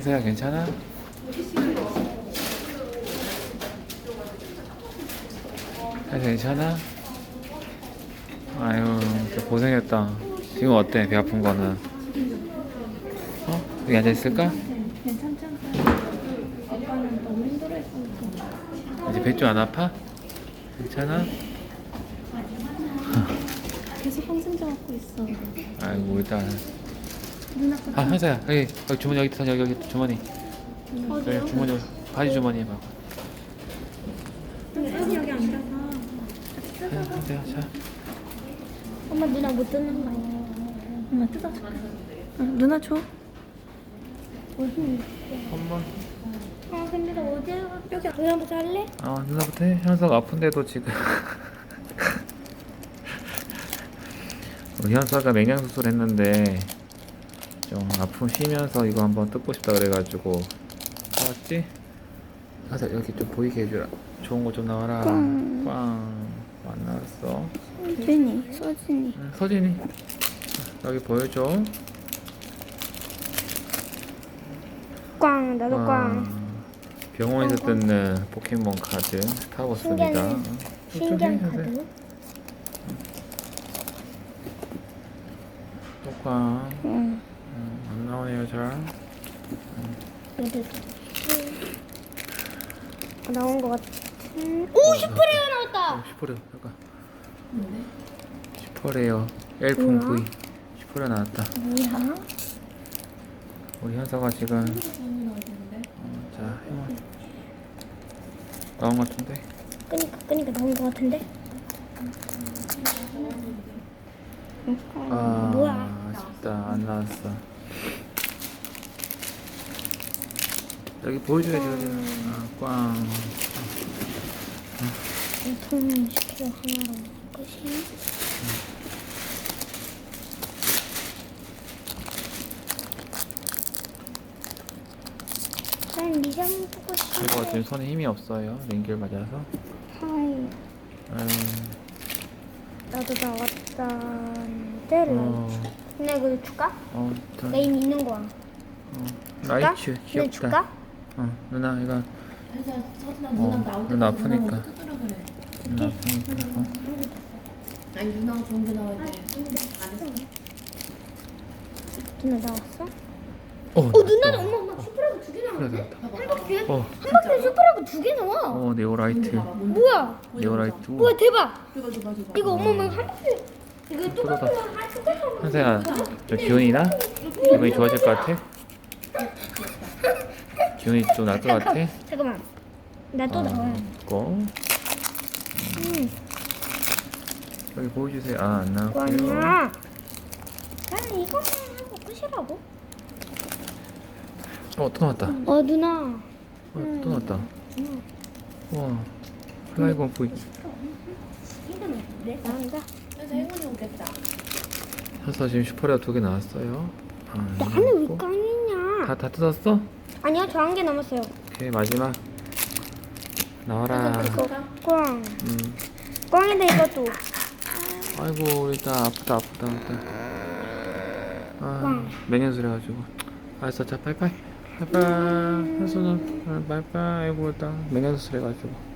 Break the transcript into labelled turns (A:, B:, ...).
A: 현서야 괜찮아? 현서 괜찮아? 아유 진짜 고생했다. 지금 어때? 배 아픈 거는? 어? 여기 앉아있을까?
B: 괜찮잖아. 아빠는 너무 힘들어했으니까.
A: 이제 배 좀 안 아파? 괜찮아?
B: 계속 항생제 먹고 있어.
A: 아이고 일단
B: 눈 아파.
A: 아 현서야 여기 주머니 여기 있어. 여기 주머니
B: 어디요?
A: 여기 주머니 바지 주머니 해봐.
B: 여기 앉아서.
A: 현서야 자
B: 엄마 누나 못 듣는 거 아니야? 엄마 뜯어줄까? 누나 줘. 어디?
A: 한번
B: 근데 나 어디에 여기 누나부터 할래?
A: 누나부터 해. 현서가 아픈데도 지금 우리 현서가 맹장 수술 했는데 좀 아픔 쉬면서 이거 한번 뜯고 싶다 그래가지고 사왔지? 현서 여기 좀 보이게 해주라. 좋은 거 좀 나와라. 꽝 안 나왔어.
B: 서진이.
A: 응, 서진이 여기 보여줘.
B: 꽝 나도
A: 와, 병원에서 뜯는 포켓몬 카드 스타버스입니다.
B: 신기한 카드.
A: 똑꽝
B: 응.
A: 안 나오네요 잘.
B: 얘들 나온 거 같은. 오 10%가 나왔다.
A: 10% 잠깐. 10%예요. 엘폰
B: 뭐야?
A: V 10% 나왔다.
B: 뭐야?
A: 우리 현서가 지금 자 형아 나온 것 같은데.
B: 끄니까 나온 거 같은데. 뭐야?
A: 아쉽다 안 나왔어. 여기 보여줘야지. 꽝.
B: 통 10kg 하나로 끝이. 난 리장 보고 싶어.
A: 이거 지금 손에 힘이 없어요. 링겔 맞아서.
B: 하이. 나도 나왔다는데. 근데 이거 줄까? 나 이미 있는 거야.
A: 라이츠
B: 근데
A: 귀엽다.
B: 줄까?
A: 누나 이거
C: 누나
A: 누나 아프니까.
C: 뜯으라 그래.
A: 누나 아프니까.
C: 아니 누나가 좋은 게 나와야 돼.
B: 누나 나왔어?
A: 누나
B: 엄마 슈퍼라고 2개 나와.
A: 그래
B: 한 박스에?
A: 어,
B: 한 박스에 슈퍼라고 2개 나와.
A: 네오라이트.
B: 뭐야?
A: 네오라이트.
B: 뭐야 대박.
C: 줘봐.
B: 이거 엄마 한 박스에. 이거 똑같은 거한 숟가락.
A: 현서야 저 기운이나? 기분이 좋아질 것 같아? 기운이 좀 날 것 같아?
B: 잠깐만. 나 또 나와.
A: 있고 여기 보여주세요. 안 나왔고요.
B: 꽝이야. 나는 이거만 하고 끝이라고.
A: 또 나왔다.
B: 누나.
A: 또 나왔다. 와 플라이건 V.
B: 네? 나온다.
C: 그래서 행운이 오겠다.
A: 현서 지금 슈퍼레어 2개 나왔어요.
B: 나는 왜 꽝이냐?
A: 다 뜯었어?
B: 아니요, 저 한 개 남았어요.
A: 오케이 마지막 나와라.
B: 이거 꽝. 꽝인데 이것도.
A: 아이고 우리 딸 아프다. 맹연술 해가지고. 알았어 자 빠이빠이. 현수는 빠이빠이. 아이고 일단 맹연술 해가지고.